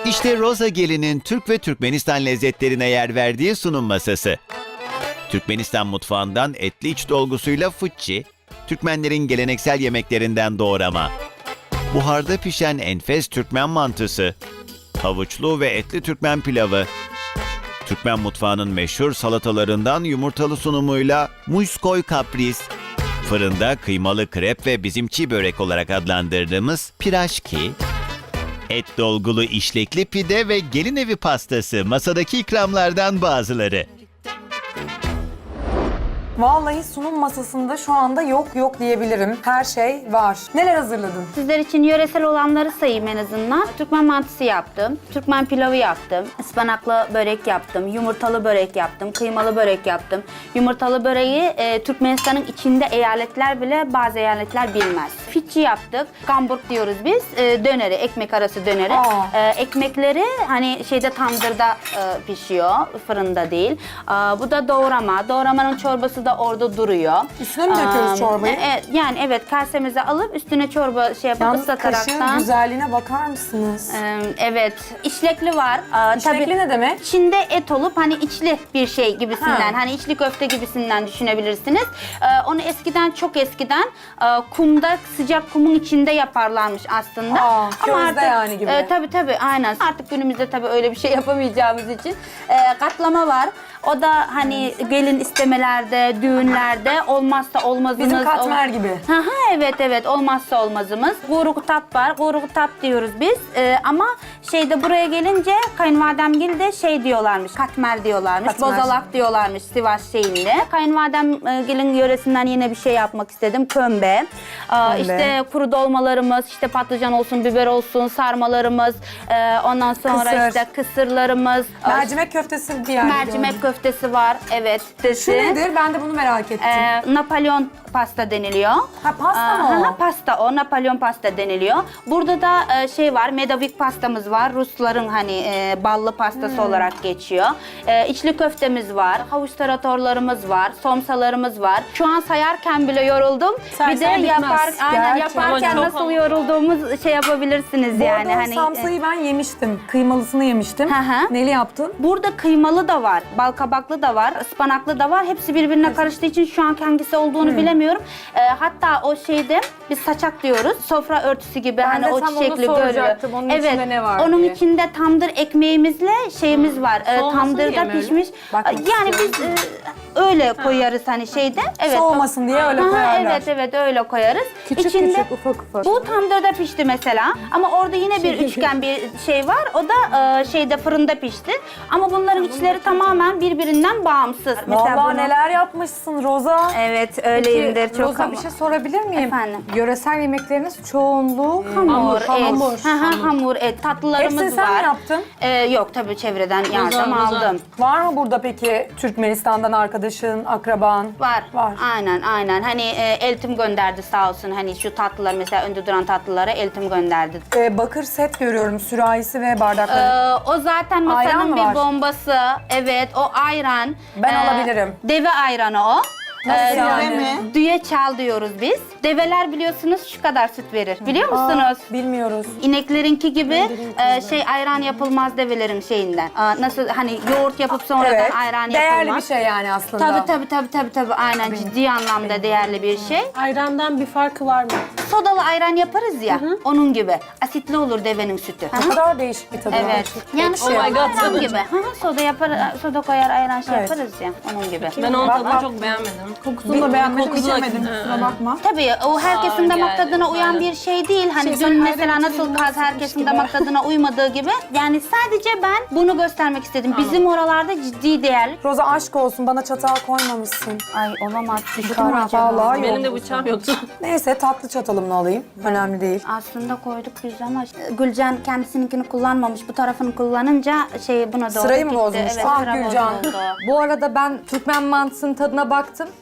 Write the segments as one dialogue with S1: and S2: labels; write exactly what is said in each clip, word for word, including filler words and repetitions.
S1: İşte Roza Gelin'in Türk ve Türkmenistan lezzetlerine yer verdiği sunum masası. Türkmenistan mutfağından etli iç dolgusuyla fıççı, Türkmenlerin geleneksel yemeklerinden doğrama, buharda pişen enfes Türkmen mantısı, havuçlu ve etli Türkmen pilavı, Türkmen mutfağının meşhur salatalarından yumurtalı sunumuyla muskoy kapris, fırında kıymalı krep ve bizim çiğ börek olarak adlandırdığımız piraşki, et dolgulu işlekli pide ve gelin evi pastası masadaki ikramlardan bazıları.
S2: Vallahi sunum masasında şu anda yok yok diyebilirim. Her şey var. Neler hazırladın?
S3: Sizler için yöresel olanları sayayım en azından. Türkmen mantısı yaptım, Türkmen pilavı yaptım, ıspanaklı börek yaptım, yumurtalı börek yaptım, kıymalı börek yaptım. Yumurtalı böreği e, Türkmenistan'ın içinde eyaletler bile bazı eyaletler bilmez. Fitçi yaptık, gamburg diyoruz biz, e, döneri, ekmek arası döneri. E, ekmekleri hani şeyde tandırda e, pişiyor, fırında değil. E, bu da doğrama, doğramanın çorbası da orada duruyor.
S2: Üstüne mi döküyoruz
S3: Aa,
S2: çorbayı?
S3: e, yani evet, kasemize alıp üstüne çorba şey yapıp
S2: Yalnız kaşığın
S3: ıslataraktan.
S2: güzelliğine bakar mısınız?
S3: Ee, evet, işlekli var. Aa,
S2: İşlekli
S3: tabii
S2: ne demek?
S3: İçinde et olup hani içli bir şey gibisinden,
S2: Ha.
S3: hani içli köfte gibisinden düşünebilirsiniz. Ee, onu eskiden, çok eskiden e, kumda, sıcak kumun içinde yaparlarmış aslında.
S2: Aa, közde yani gibi.
S3: E, tabii tabii, aynen. Artık günümüzde tabii öyle bir şey yapamayacağımız için e, katlama var. O da hani gelin istemelerde, düğünlerde olmazsa olmazımız.
S2: Bizim katmer gibi.
S3: Hı hı, evet evet, olmazsa olmazımız. Kuyruk tap var. Kuyruk tap diyoruz biz. Ee, ama şeyde buraya gelince kayınvalidemgil de şey diyorlarmış. Katmer diyorlarmış.
S2: Katmer.
S3: Bozalak diyorlarmış Sivas şeyinde. Kayınvalidemgilin yöresinden yine bir şey yapmak istedim. Kömbe. Ee,
S2: Kömbe.
S3: işte kuru dolmalarımız, işte patlıcan olsun, biber olsun, sarmalarımız. Ee, ondan sonra
S2: Kısır.
S3: işte kısırlarımız.
S2: Mercimek köftesi bir yerde
S3: Mercimek
S2: gördüm.
S3: köftesi var. Evet.
S2: Şu nedir? Ben de bunu merak ettim.
S3: Ee, Napolyon pasta deniliyor.
S2: Ha, pasta mı o?
S3: Hı hı, pasta o. Napolyon pasta deniliyor. Burada da e, şey var, medovik pastamız var. Rusların hani e, ballı pastası
S2: Hmm.
S3: olarak geçiyor. E, içli köftemiz var. Havuç taratorlarımız var. Somsalarımız var. Şu an sayarken bile yoruldum.
S2: Say
S3: bir de
S2: say bitmez.
S3: yapar, aynen
S2: Gerçi.
S3: yaparken
S4: Ama çok
S3: nasıl
S4: ama.
S3: yorulduğumuz şey yapabilirsiniz
S2: Bu
S3: yani.
S2: arada o
S3: Hani
S2: samsayı ben yemiştim. Kıymalısını yemiştim.
S3: Hı hı.
S2: Neli yaptın?
S3: Burada kıymalı da var, bal kabaklı da var, ıspanaklı da var. Hepsi birbirine karıştığı için şu an hangisi olduğunu
S2: Hmm.
S3: bilemiyorum. Ee, hatta o şeyde biz saçak diyoruz. Sofra örtüsü gibi
S2: Ben
S3: hani
S2: de
S3: o
S2: tam onu
S3: çiçekli görüyor.
S2: soracaktım. Onun
S3: evet.
S2: içinde ne var
S3: Onun
S2: diye.
S3: içinde tandır ekmeğimizle şeyimiz var. Ee,
S4: Soğumasın diye
S3: tandırda
S4: mi öyle?
S3: pişmiş.
S2: Bakmak
S3: Yani biz e, öyle koyarız hani şeyde. Evet.
S2: Soğumasın diye öyle
S3: Aha,
S2: koyarlar.
S3: Evet evet öyle koyarız.
S2: Küçük küçük, ufak ufak.
S3: Bu tandırda pişti mesela. Ama orada yine bir üçgen bir şey var. O da e, şeyde fırında pişti. Ama bunların içleri tamamen birbirinden bağımsız.
S2: Vallahi
S3: bunu-
S2: neler yapmışsın Roza.
S3: Evet öyleyimdir çok
S5: Roza
S3: ama.
S5: bir şey sorabilir miyim?
S3: Efendim?
S5: Yöresel yemekleriniz çoğunluğu
S3: Hamur, et.
S5: hamur.
S3: Hı hı, hamur, et. Tatlılarımız
S2: Hepsini sen
S3: var.
S2: mi yaptın?
S3: Ee, yok tabii, çevreden yardım
S4: Bozar, bozar.
S3: aldım.
S2: Var mı burada peki Türkmenistan'dan arkadaşın, akraban?
S3: Var.
S2: Var.
S3: Aynen aynen. Hani e, eltim gönderdi sağ olsun. Hani şu tatlılar mesela, önde duran tatlılara eltim gönderdi.
S2: Ee, bakır set görüyorum, sürahisi ve bardakları.
S3: Ee, o zaten
S2: Ayran
S3: masanın
S2: mı
S3: bir
S2: var?
S3: bombası. Evet, o ayran.
S2: Ben alabilirim.
S3: Deve ayranı o.
S2: Nasıl
S3: Ee,
S2: yani?
S3: Düye çal diyoruz biz. Develer biliyorsunuz şu kadar süt verir. Biliyor musunuz?
S2: Bilmiyoruz.
S3: İneklerinki gibi e, şey ayran yapılmaz develerin şeyinden. Aa, nasıl hani yoğurt yapıp sonradan
S2: Evet.
S3: ayran
S2: Değerli
S3: yapılmaz.
S2: bir şey yani aslında.
S3: Tabii tabii tabii tabii tabii aynen, ciddi anlamda değerli bir şey.
S4: Ayrandan bir farkı var mı?
S3: Sodalı ayran yaparız ya, onun gibi. Asitli olur devenin sütü.
S2: Ne kadar değişik bir tadı
S3: Evet.
S2: var.
S3: Yani
S4: Oh
S3: soda
S4: my God.
S3: ayran gibi. Hı hı, soda yapar, soda koyar ayran şey
S2: Evet.
S3: yaparız ya, onun gibi.
S4: Ben onun
S2: Bak,
S4: tadını
S2: bak.
S4: çok beğenmedim.
S5: Kokusunu da beğenmedim,
S4: kokusu da-
S5: içemedim. Kusura bakma.
S3: Tabii o herkesin
S4: Aa,
S3: damak
S4: yani,
S3: tadına uyan
S4: aynen.
S3: bir şey değil. Hani
S5: Şey, sen
S3: dün
S5: ayran
S3: mesela nasıl
S5: içelim,
S3: kaz
S5: nasıl
S3: herkesin
S5: gibi.
S3: damak tadına uymadığı gibi. Yani sadece ben bunu göstermek istedim. Bizim oralarda ciddi değerli.
S2: Roza aşk olsun, bana çatal koymamışsın.
S3: Ay olamaz. Düştü mü
S2: Kara,
S3: acaba?
S2: vallahi yok.
S4: Benim de bıçağım yoktu.
S2: Neyse tatlı çatalımla alayım. Önemli değil.
S3: Aslında koyduk biz ama Gülcan kendisininkini kullanmamış. Bu tarafını kullanınca şey buna doğru
S2: Sırayı mı
S3: gitti.
S2: bozmuş?
S3: Evet,
S2: Ah
S3: sıra
S2: Gülcan.
S3: bozuldu.
S5: Bu arada ben Türkmen mantısının tadına baktım.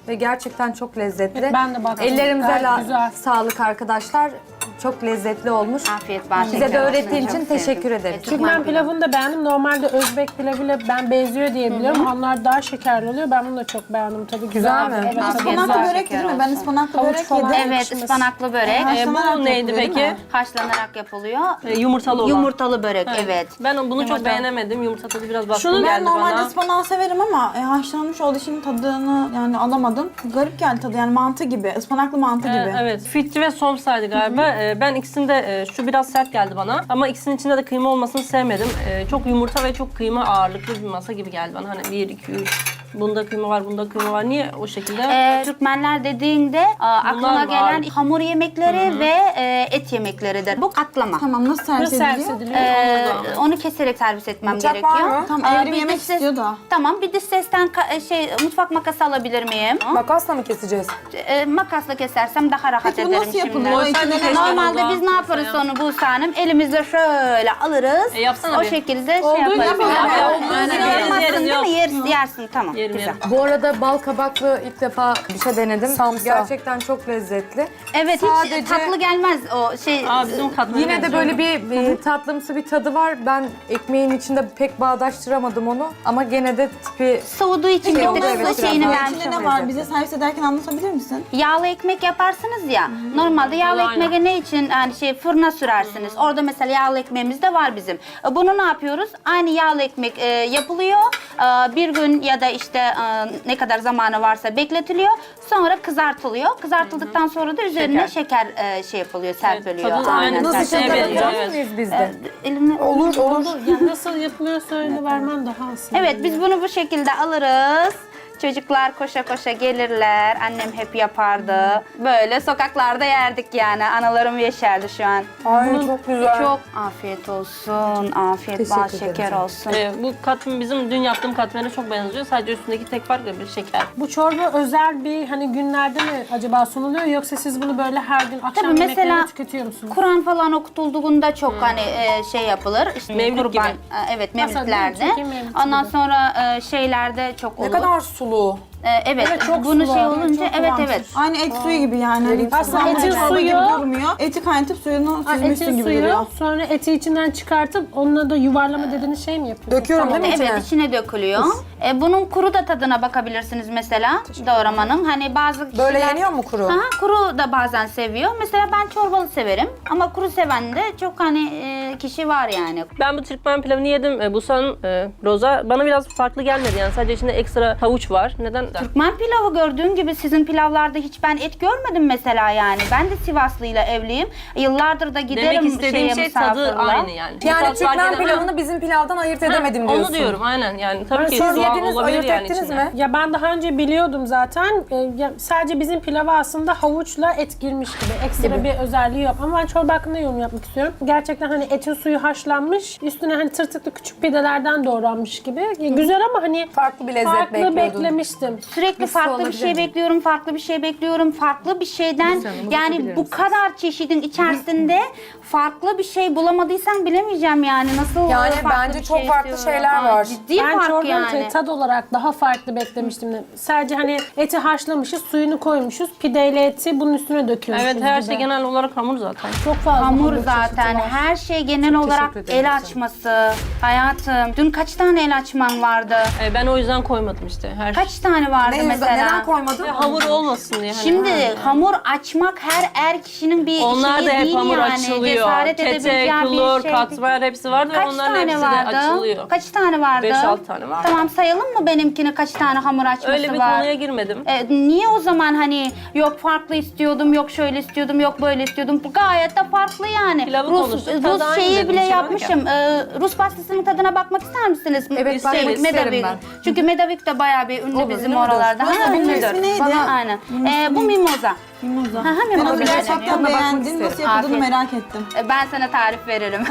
S5: ve gerçekten çok lezzetli.
S4: Evet, ben de baktım.
S5: Ellerimize
S4: Gayet
S5: la-
S4: güzel.
S5: sağlık arkadaşlar. Çok lezzetli olmuş.
S3: Afiyet bal
S5: Bize
S3: şeker
S5: de
S3: olsun.
S5: öğrettiğin
S3: Çok
S5: için
S3: sevdim.
S5: teşekkür ederim.
S3: Evet,
S4: Türkmen pilavını da beğendim. Normalde Özbek pilavıyla ben benziyor diye biliyorum. Onlar daha şekerli oluyor. Ben bunu da çok beğendim. Tadı güzel.
S5: Güzel mi?
S4: Evet, tadı
S3: Afiyet
S4: güzel.
S3: olsun.
S6: Börek değil mi? Ben ıspanaklı
S4: Havuç
S6: börek
S4: falan.
S6: yedim.
S3: Evet, ıspanaklı börek.
S6: Aha.
S7: E,
S6: Haşlanarak
S7: bu neydi
S6: yapılıyor, değil
S7: peki?
S6: mi?
S3: Haşlanarak yapılıyor.
S7: E, yumurtalı olan.
S3: Yumurtalı börek, evet.
S7: Ben bunu
S3: Yumurta.
S7: çok beğenemedim. Yumurta tadı biraz baskın
S6: Şunu ben
S7: geldi
S6: normalde
S7: bana.
S6: ıspanağı severim ama e, haşlanmış olduğu için tadını yani alamadım. Garip geldi tadı yani mantı gibi, ıspanaklı mantı
S7: E,
S6: gibi.
S7: evet. Fitri ve somsaydı galiba. E, ben ikisinde e, şu biraz sert geldi bana. Ama ikisinin içinde de kıyma olmasını sevmedim. E, çok yumurta ve çok kıyma ağırlıklı bir masa gibi geldi bana. Hani bir, iki, üç. Bunda kıyma var, bunda kıyma var. Niye o şekilde?
S3: Ee, Türkmenler dediğinde a, aklına
S7: var.
S3: gelen hamur yemekleri ve e, et yemekleridir. Bu katlama.
S6: Tamam nasıl servis
S4: Nasıl servis
S6: ediliyor?
S4: ediliyor?
S3: Ee,
S7: Anladım.
S3: onu keserek servis etmem
S2: Bıçak
S3: gerekiyor.
S2: var mı?
S6: Tamam,
S3: Aa,
S6: evrim
S3: bir
S6: yemek
S3: dış ses-
S6: istiyor da.
S3: Tamam, bir dış sesten ka- şey mutfak makası alabilir miyim?
S2: Makasla mı keseceğiz?
S3: Ee, makasla kesersem daha rahat
S6: Peki bu
S3: ederim
S6: nasıl
S3: şimdi.
S6: yapılıyor? İçinde
S7: Keşke
S6: ne
S3: Normalde
S7: Allah
S3: biz ne yaparız
S7: masaya.
S3: sonra Buse Hanım? Elimizle şöyle alırız.
S7: E, yapsana
S3: o
S7: bir.
S3: şekilde şey
S6: Olduğu
S3: yaparız.
S6: gibi
S3: Yap-
S6: yap,
S3: yap-
S6: olduğu
S3: Aynen,
S6: gibi.
S3: yapmazsın
S7: Yeriz,
S3: değil mi?
S7: yeriz,
S3: Yeriz, yersin. Tamam,
S7: Yerim,
S3: güzel.
S7: yerim.
S5: Bu arada bal kabaklı ilk defa bir şey denedim.
S2: Samsa.
S5: Gerçekten çok lezzetli.
S3: Evet,
S5: Sadece-
S3: hiç tatlı gelmez o şey.
S7: Aa, bizim katmerine
S5: Yine de
S7: benziyor.
S5: böyle bir e, tatlımsı bir tadı var. Ben ekmeğin içinde pek bağdaştıramadım onu. Ama gene de tipi
S3: Soğuduğu için
S6: Peki
S3: bir tık
S6: onların
S3: da
S6: nasıl
S3: şeyini
S6: yapılıyor?
S3: vermiş
S6: İçinde ne
S3: oluyor.
S6: var? Bize servis ederken anlatabilir misin?
S3: Yağlı ekmek yaparsınız ya. Normalde yağlı
S7: Aynen.
S3: ekmeği ne için yani şey fırına sürersiniz. Orada mesela yağlı ekmeğimiz de var bizim. E, Bunu ne yapıyoruz? Aynı yağlı ekmek e, yapılıyor. E, bir gün ya da işte e, ne kadar zamanı varsa bekletiliyor. Sonra kızartılıyor. Kızartıldıktan sonra da üzerine şeker, e, şey yapılıyor, serpiliyor.
S7: tadı aynen
S5: nasıl
S7: şeye
S5: şeker
S7: benziyor,
S5: yapacak
S7: evet.
S5: mıyız biz de?
S3: Elimle...
S2: Olur, olur.
S4: Yani nasıl yapılıyor söyle vermen daha aslında.
S3: Evet, biz bunu bu şekilde alırız. Çocuklar koşa koşa gelirler. Annem hep yapardı. Böyle sokaklarda yerdik yani. Analarım yeşerdi şu an.
S2: Ay çok güzel.
S3: Çok afiyet olsun. Afiyet bal
S5: Teşekkür ederim
S3: şeker
S5: canım.
S3: olsun.
S7: E, bu katmer bizim dün yaptığım katmerine çok benziyor. Sadece üstündeki tek fark da bir şeker.
S4: Bu çorba özel bir hani günlerde mi acaba sunuluyor yoksa siz bunu böyle her gün akşam
S3: Tabii
S4: yemeklerinde
S3: mesela
S4: tüketiyor musunuz?
S3: Kur'an falan okutulduğunda çok hani e, şey yapılır. İşte
S7: Mevlid
S3: kurban,
S7: gibi.
S3: e, evet
S4: Mesela
S3: mevlitlerde.
S4: Türkiye mevlidi
S3: Ondan
S4: gibi.
S3: sonra e, şeylerde çok olur.
S2: Ne kadar sulu.
S3: E, evet,
S4: Evet, çok
S3: bunu
S4: sulu.
S3: şey olunca
S6: Çok
S3: evet
S6: kıvamsız.
S3: evet.
S6: Aynı et suyu gibi yani. Hani
S4: Aslında
S6: kıvamlı
S4: etin
S6: çorba
S4: suyu-
S6: gibi durmuyor. Eti kaynatıp suyunu
S4: Ha,
S6: süzmüşsün
S4: etin
S6: gibi
S4: suyu,
S6: duruyor.
S4: sonra eti içinden çıkartıp onunla da yuvarlama dediğiniz şey mi yapıyorsunuz?
S2: Döküyorum değil mi içine?
S3: Evet, içine dökülüyor. E, bunun kuru da tadına bakabilirsiniz mesela doğramanın. Hani bazı kişiler...
S2: Böyle yeniyor mu kuru?
S3: Aha, kuru da bazen seviyor. Mesela ben çorbalı severim ama kuru seven de çok hani e, kişi var yani.
S7: Ben bu Türkmen pilavını yedim. E, Busan'ın e, Roza bana biraz farklı gelmedi yani. Sadece içinde ekstra havuç var. Neden?
S3: Türkmen pilavı gördüğün gibi sizin pilavlarda hiç ben et görmedim mesela yani. Ben de Sivaslıyla evliyim. Yıllardır da giderim
S7: Demek istediğim
S3: şeye,
S7: şey tadı
S3: misafirliğe.
S7: aynı yani.
S2: Yani
S7: Tat fark
S2: Türkmen
S7: edemem.
S2: pilavını bizim pilavdan ayırt edemedim diyorsun.
S7: Onu diyorum aynen yani. Tabii ki
S2: Siz
S7: soğan
S2: yediniz,
S7: olabilir
S2: ayırt
S7: yani
S2: ettiniz
S7: içinde.
S2: mi?
S4: Ya ben daha önce biliyordum zaten. Ee, ya sadece bizim pilava aslında havuçla et girmiş gibi. Ekstra bir özelliği yok. Ama ben çorba hakkında yorum yapmak istiyorum. Gerçekten hani etin suyu haşlanmış. Üstüne hani tırtıklı küçük pidelerden doğranmış gibi. Ya güzel ama hani
S2: Farklı bir lezzet
S4: farklı
S2: bekliyordun.
S4: beklemiştim.
S3: Sürekli
S5: Nasıl
S3: farklı bir
S5: olabilir
S3: şey
S5: mi?
S3: bekliyorum, farklı bir şey bekliyorum, farklı bir şeyden
S5: Güzel, bunu
S3: yani
S5: bakabilir
S3: bu
S5: misiniz?
S3: kadar çeşidin içerisinde farklı bir şey bulamadıysan bilemeyeceğim yani nasıl
S2: Yani
S3: farklı
S2: bence
S3: bir
S2: çok
S3: şey
S2: farklı
S3: istiyorum.
S2: şeyler
S3: Aa,
S2: var.
S3: Ciddi
S4: Ben
S3: fark
S4: çorbanın
S3: yani.
S4: tad olarak daha farklı beklemiştim. Sadece hani eti haşlamışız, suyunu koymuşuz. Pideyle eti bunun üstüne döküyoruz.
S7: Evet her
S4: gibi.
S7: şey genel olarak hamur zaten.
S4: Çok fazla
S3: Hamur
S4: çeşidi
S3: zaten
S4: var.
S3: her şey genel olarak
S5: teşekkür ederim
S3: el
S5: canım.
S3: açması. Hayatım dün kaç tane el açman vardı?
S7: E, ben o yüzden koymadım işte. Her
S3: Kaç tane vardı
S2: Ne yüzden,
S3: mesela?
S2: neden koymadın?
S7: şey. Hamur olmasın diye. Hani.
S3: Şimdi hamur açmak her er kişinin bir
S7: Onlar
S3: şeyi
S7: da hep
S3: değil
S7: hamur
S3: yani.
S7: açılıyor.
S3: Cesaret
S7: Kete,
S3: edebileceği
S7: klor,
S3: bir şey.
S7: katmer hepsi vardı ve
S3: Kaç
S7: onların
S3: tane
S7: hepsi
S3: vardı?
S7: de açılıyor.
S3: Kaç tane vardı?
S7: beş altı tane var.
S3: Tamam sayalım mı benimkini kaç tane hamur açması
S7: Öyle bir
S3: var?
S7: konuya girmedim.
S3: E, niye o zaman hani yok farklı istiyordum, yok şöyle istiyordum, yok böyle istiyordum. Bu gayet de farklı yani.
S7: Pilavı
S3: Rus,
S7: konuştuk, tadı
S3: Rus
S7: aynı
S3: şeyi
S7: dedim,
S3: bile
S7: bir şey yok
S3: yapmışım. E, Rus pastasının tadına bakmak ister misiniz?
S5: Evet,
S3: Şey,
S5: bakmak isterim
S3: Medavik.
S5: ben.
S3: Çünkü Medavik de bayağı bir ünlü
S5: Olur,
S3: bizim
S5: ünlüdür.
S3: oralarda.
S6: Bana
S3: Ha,
S6: bunun
S3: ünlüdür.
S6: ismi neydi?
S3: Bana- Aynen. E, bu mimoza.
S6: Mimoza.
S3: Hı hı,
S6: Ben
S3: mimoza
S6: onu
S3: deniyor.
S6: gerçekten
S5: Tadına bakmak
S6: beğendim.
S5: isterim.
S6: Nasıl yapıldığını
S3: Afiyet.
S6: merak ettim.
S3: E, Ben sana tarif veririm.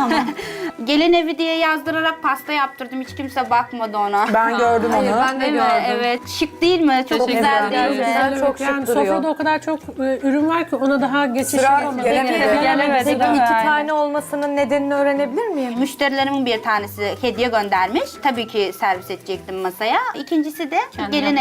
S3: Gelin evi diye yazdırarak pasta yaptırdım. Hiç kimse bakmadı ona.
S2: Ben gördüm
S5: Hayır,
S2: onu.
S5: ben de
S3: Değil mi?
S5: gördüm.
S3: Evet. Şık değil mi? Çok
S7: Teşekkür
S3: güzel
S7: ederim.
S3: değil mi?
S5: Güzel, çok şık
S4: yani
S5: duruyor.
S4: sofrada o kadar çok e, ürün var ki ona daha geçiş
S2: Sıra
S4: yapamadım.
S2: gelemedi.
S7: Gelemedi,
S5: Peki
S7: değil mi?
S5: iki tane olmasının nedenini öğrenebilir miyim?
S3: Müşterilerimin bir tanesi hediye göndermiş. Tabii ki servis edecektim masaya. İkincisi de gelin evi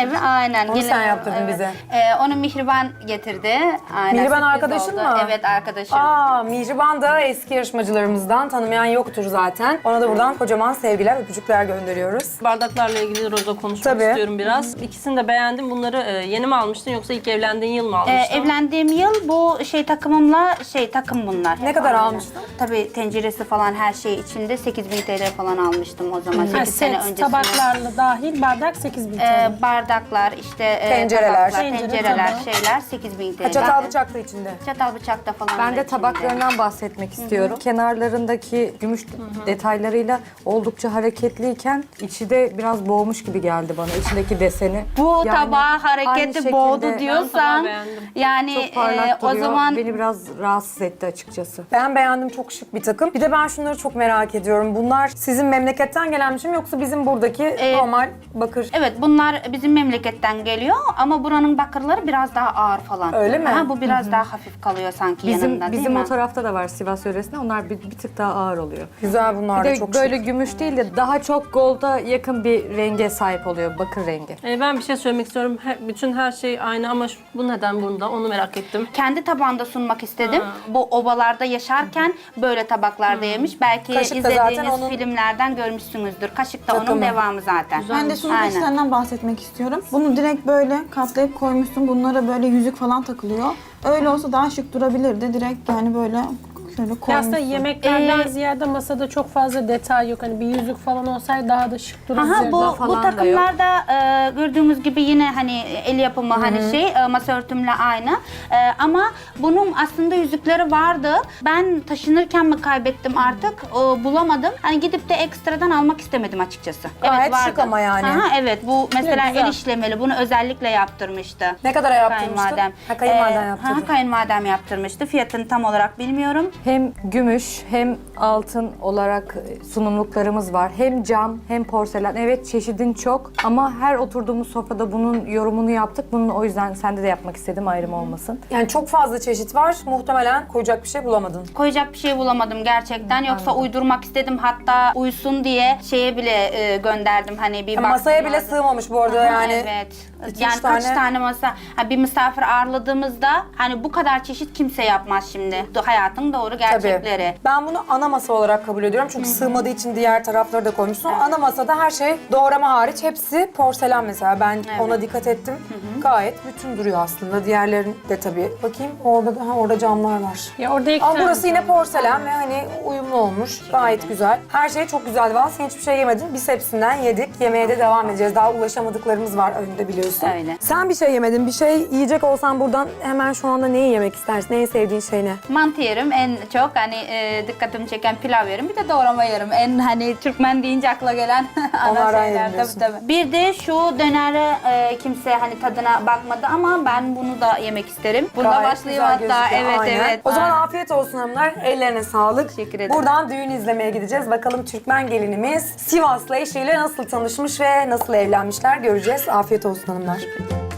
S3: Aynen.
S2: Onu
S3: gelin-
S2: sen yaptırdın
S3: evet.
S2: bize.
S3: Ee, onu Mihriban getirdi. Aynen,
S2: Mihriban
S3: sürpriz
S2: arkadaşın
S3: oldu.
S2: mı?
S3: Evet, arkadaşım.
S2: Aa, Mihriban da eski yarışmacılarımızdan, tanımayan yoktur zaten. Ona da buradan kocaman sevgiler, öpücükler gönderiyoruz.
S7: Bardaklarla ilgili Roza konuşmak
S2: Tabii.
S7: istiyorum biraz. İkisini de beğendim. Bunları e, yeni mi almıştın yoksa ilk evlendiğin yıl mı
S3: Ee,
S7: almıştın?
S3: evlendiğim yıl bu şey takımımla şey takım bunlar.
S2: Ne kadar
S3: Aynen.
S2: almıştın?
S3: Tabii tenceresi falan her şey içinde sekiz bin T L falan almıştım o zaman.
S4: Ha,
S3: sekiz sene
S4: set,
S3: öncesinde.
S4: tabaklarla dahil bardak sekiz bin T L.
S3: Ee, bardaklar, işte e,
S2: Tencereler.
S3: tabaklar,
S4: Tencere,
S3: tencereler,
S4: tabak.
S3: şeyler sekiz bin T L.
S2: Ha, çatal bıçak da içinde.
S3: Çatal bıçak da falan.
S5: Ben
S3: var
S5: de
S3: içinde.
S5: tabaklarından bahsetmek istiyorum. Kenarlarındaki gümüş detaylarıyla oldukça hareketliyken içi de biraz boğmuş gibi geldi bana. İçindeki deseni.
S3: Bu
S5: Yani
S3: tabağı
S5: aynı
S3: hareketi
S5: şekilde
S3: boğdu
S7: Ben
S3: diyorsan
S7: tabağı beğendim.
S3: yani
S5: Çok parlak
S3: e, o
S5: duruyor.
S3: zaman
S5: Beni biraz rahatsız etti açıkçası.
S2: Ben beğendim, çok şık bir takım. Bir de ben şunları çok merak ediyorum. Bunlar sizin memleketten gelmiş mi yoksa bizim buradaki
S3: Ee,
S2: normal bakır?
S3: evet, bunlar bizim memleketten geliyor ama buranın bakırları biraz daha ağır falan.
S2: Öyle mi?
S3: Ha, bu biraz daha hafif kalıyor sanki
S5: Bizim
S3: yanında, değil
S5: bizim
S3: mi?
S5: o tarafta da var Sivas yöresinde. Onlar bir, bir tık daha ağır oluyor.
S2: Güzel, bunlar
S5: Bir
S2: da
S5: de
S2: çok
S5: böyle
S2: şık.
S5: gümüş değil de daha çok golda yakın bir renge sahip oluyor. Bakır rengi.
S7: E, ben bir şey söylemek istiyorum. He- bütün her şey aynı ama şu- bu neden bunda? Onu merak ettim.
S3: Kendi tabağında sunmak istedim. Bu obalarda yaşarken böyle tabaklarda yemiş. Belki
S2: Kaşık da zaten
S3: izlediğiniz
S2: onun
S3: filmlerden görmüşsünüzdür. Kaşık da
S2: takımı.
S3: onun devamı zaten.
S6: Ben de sunum
S3: Aynen.
S6: peçetenden bahsetmek istiyorum. Bunu direkt böyle katlayıp koymuşsun. Bunlara böyle yüzük falan takılıyor. Öyle olsa daha şık durabilirdi. Direkt yani böyle şöyle
S4: Ya
S6: koymuşsun.
S4: aslında yemeklerden
S3: Ee,
S4: ziyade masada çok fazla detay yok. Hani bir yüzük falan olsaydı daha da şık dururdu.
S3: Aha, bu,
S5: falan
S3: bu
S5: da
S3: takımlarda e, gördüğümüz gibi yine hani el yapımı hani şey e, masa örtümle aynı. E, ama bunun aslında yüzükleri vardı. Ben taşınırken mi kaybettim artık e, bulamadım. Hani gidip de ekstradan almak istemedim açıkçası.
S2: Gayet
S3: vardı.
S2: şık ama yani.
S3: Aha, evet, bu mesela
S4: güzel.
S3: el işlemeli, bunu özellikle yaptırmıştı.
S2: Ne kadara yaptırmıştın?
S3: Kayınvalidem.
S2: Ha, kayınvaliden
S3: Ee,
S2: yaptırdı.
S3: Ha, kayınvalidem yaptırmıştı. Fiyatını tam olarak bilmiyorum.
S5: Hem gümüş hem altın olarak sunumluklarımız var. Hem cam hem porselen. Evet çeşidin çok ama her oturduğumuz sofrada bunun yorumunu yaptık. Bunun o yüzden sende de yapmak istedim ayrım olmasın.
S2: Yani çok fazla çeşit var. Muhtemelen koyacak bir şey bulamadın.
S3: Koyacak bir şey bulamadım gerçekten. Yoksa uydurmak istedim. Hatta uysun diye şeye bile e, gönderdim. Hani bir
S2: Yani
S3: baktım
S2: masaya bile
S3: lazım.
S2: sığmamış bu arada
S3: Aha,
S2: yani.
S3: Evet.
S2: iki,
S3: Yani
S2: üç
S3: kaç
S2: tane-
S3: tane masa, ha, bir misafir ağırladığımızda hani bu kadar çeşit kimse yapmaz şimdi. Do- Hayatın doğru gerçekleri.
S2: Tabii. Ben bunu ana masa olarak kabul ediyorum. Çünkü sığmadığı için diğer tarafları da koymuşsun. Ana masada her şey doğrama hariç hepsi porselen mesela. Ben ona dikkat ettim. Gayet bütün duruyor aslında. Diğerlerin de tabii. Bakayım orada da ha, orada camlar var.
S4: Ya orada iki
S2: Ama
S4: tane
S2: burası yine porselen ve hani uyumlu olmuş. Gayet güzel. Her şey çok güzeldi. Valla sen hiçbir şey yemedin. Biz hepsinden yedik. Yemeğe de devam edeceğiz. Daha ulaşamadıklarımız var önünde biliyorsun.
S3: Öyle.
S2: Sen bir şey yemedin. Bir şey yiyecek olsan buradan hemen şu anda neyi yemek istersin? En sevdiğin şey ne?
S3: Mantı yerim en çok, hani e, dikkatimi çeken pilav yerim, bir de doğrama yerim. En hani Türkmen deyince akla gelen ana
S2: Onlardan
S3: şeyler.
S2: yerim diyorsun.
S3: Tabii, tabii. Bir de şu döneri e, kimse hani tadına bakmadı ama ben bunu da yemek isterim. Bunda
S2: Gayet
S3: başlayayım
S2: güzel
S3: hatta.
S2: gözüküyor,
S3: Evet,
S2: aynen.
S3: evet.
S2: O zaman
S3: Aynen.
S2: afiyet olsun hanımlar. Ellerine sağlık.
S3: Teşekkür ederim.
S2: Buradan düğün izlemeye gideceğiz. Bakalım Türkmen gelinimiz Sivaslı eşiyle nasıl tanışmış ve nasıl evlenmişler göreceğiz. Afiyet olsun hanımlar.